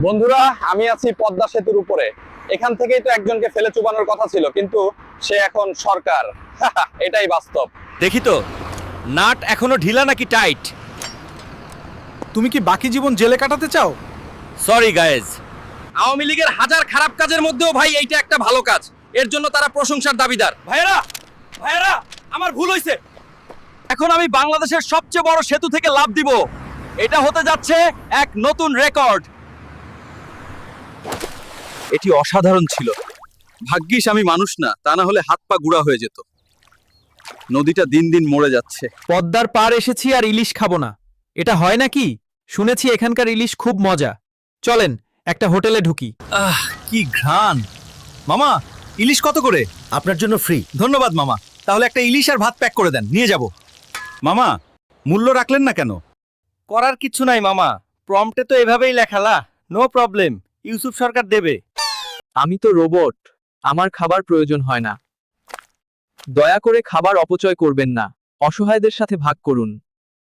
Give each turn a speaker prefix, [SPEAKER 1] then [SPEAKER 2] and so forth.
[SPEAKER 1] বন্ধুরা, আমি আছি পদ্মা সেতুর উপরে। এখান থেকেই তো একজনকে ফেলে চুবানোর কথা ছিল, কিন্তু সে এখন সরকার। এটাই বাস্তব।
[SPEAKER 2] দেখি তো, নাট এখনো ঢিলা নাকি টাইট?
[SPEAKER 3] তুমি কি বাকি জীবন জেলে কাটাতে চাও?
[SPEAKER 2] সরি গাইজ, আওয়ামী লীগের হাজার খারাপ কাজের মধ্যেও ভাই এইটা একটা ভালো কাজ। এর জন্য তারা প্রশংসার দাবিদার। ভাইয়েরা ভাইয়েরা, আমার ভুল হয়েছে। এখন আমি বাংলাদেশের সবচেয়ে বড় সেতু থেকে লাফ দিব। এটা হতে যাচ্ছে এক নতুন রেকর্ড। এটি অসাধারণ ছিল। ভাগ্যিস আমি মানুষ না, তা না হলে হাত পা গুঁড়া হয়ে যেত। নদীটা দিন দিন মরে যাচ্ছে।
[SPEAKER 3] পদ্মার পার এসেছি আর ইলিশ খাবো না, এটা হয় নাকি? শুনেছি এখানকার ইলিশ খুব মজা। চলেন একটা হোটেলে ঢুকি।
[SPEAKER 2] কি ঘ্রাণ! মামা, ইলিশ কত করে?
[SPEAKER 4] আপনার জন্য ফ্রি।
[SPEAKER 2] ধন্যবাদ মামা। তাহলে একটা ইলিশ আর ভাত প্যাক করে দেন, নিয়ে যাব। মামা, মূল্য রাখলেন না কেন? করার কিছু নাই মামা, প্রম্পটে তো এভাবেই লেখালা। নো প্রবলেম, ইউসুফ সরকার দেবে।
[SPEAKER 3] আমি তো রোবট, আমার খাবার প্রয়োজন হয় না। দয়া করে খাবার অপচয় করবেন না, অসহায়দের সাথে ভাগ করুন।